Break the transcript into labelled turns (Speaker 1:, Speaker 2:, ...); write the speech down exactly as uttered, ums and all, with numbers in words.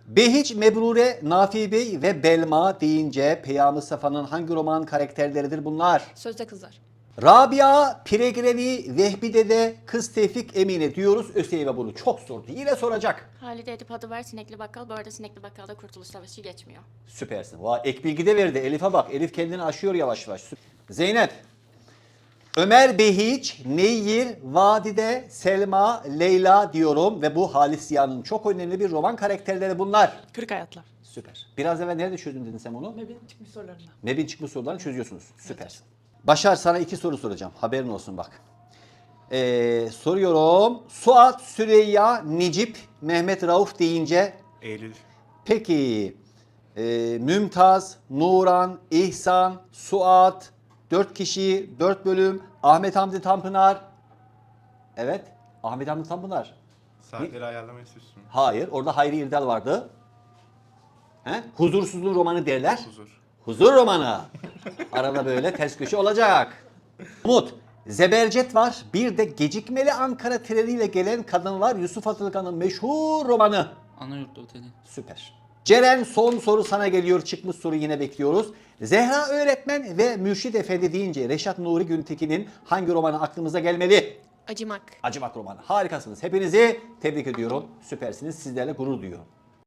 Speaker 1: Behiç, Mebrure, Nafi Bey ve Belma deyince Peyami Safa'nın hangi roman karakterleridir bunlar?
Speaker 2: Sözde Kızlar.
Speaker 1: Rabia, Piregrevi, Vehbi Dede, Kız Tevfik Emine diyoruz. ÖSYM bunu çok sordu. Yine soracak.
Speaker 2: Halide Edip adı var, Sinekli Bakkal. Bu arada Sinekli Bakkal'da Kurtuluş Savaşı geçmiyor.
Speaker 1: Süpersin. Vay, ek bilgi de verdi. Elif'e bak. Elif kendini aşıyor yavaş yavaş. Zeynep. Ömer Behiç, Neyir, Vadide, Selma, Leyla diyorum ve bu Halis Ziya'nın çok önemli bir roman karakterleri bunlar.
Speaker 3: Kırk Hayatlar.
Speaker 1: Süper. Biraz evvel nerede çözdün dedin sen onu?
Speaker 3: Mebin çıkmış sorularına.
Speaker 1: Mebin çıkmış sorularını çözüyorsunuz. Süpersin. Başar, sana iki soru soracağım. Haberin olsun bak. Ee, soruyorum. Suat, Süreyya, Necip, Mehmet Rauf deyince
Speaker 4: Eylül.
Speaker 1: peki e, Mümtaz, Nuran, İhsan, Suat, dört kişi, dört bölüm, Ahmet Hamdi Tanpınar. Evet, Ahmet Hamdi Tanpınar.
Speaker 4: Saatleri ayarlamayı sürsün.
Speaker 1: Hayır, orada Hayri İrdal vardı. He? Huzursuzluğun romanı derler.
Speaker 4: Huzur.
Speaker 1: Huzur romanı. Arada böyle ters köşe olacak. Umut, Zebercet var. Bir de Gecikmeli Ankara treniyle gelen kadın var. Yusuf Atılgan'ın meşhur romanı.
Speaker 5: Anayurt'ta oteli.
Speaker 1: Süper. Ceren, son soru sana geliyor. Çıkmış soru yine bekliyoruz. Zehra öğretmen ve Mürşit Efendi deyince Reşat Nuri Güntekin'in hangi romanı aklımıza gelmeli?
Speaker 2: Acımak.
Speaker 1: Acımak romanı. Harikasınız. Hepinizi tebrik ediyorum. Süpersiniz. Sizlerle gurur duyuyorum.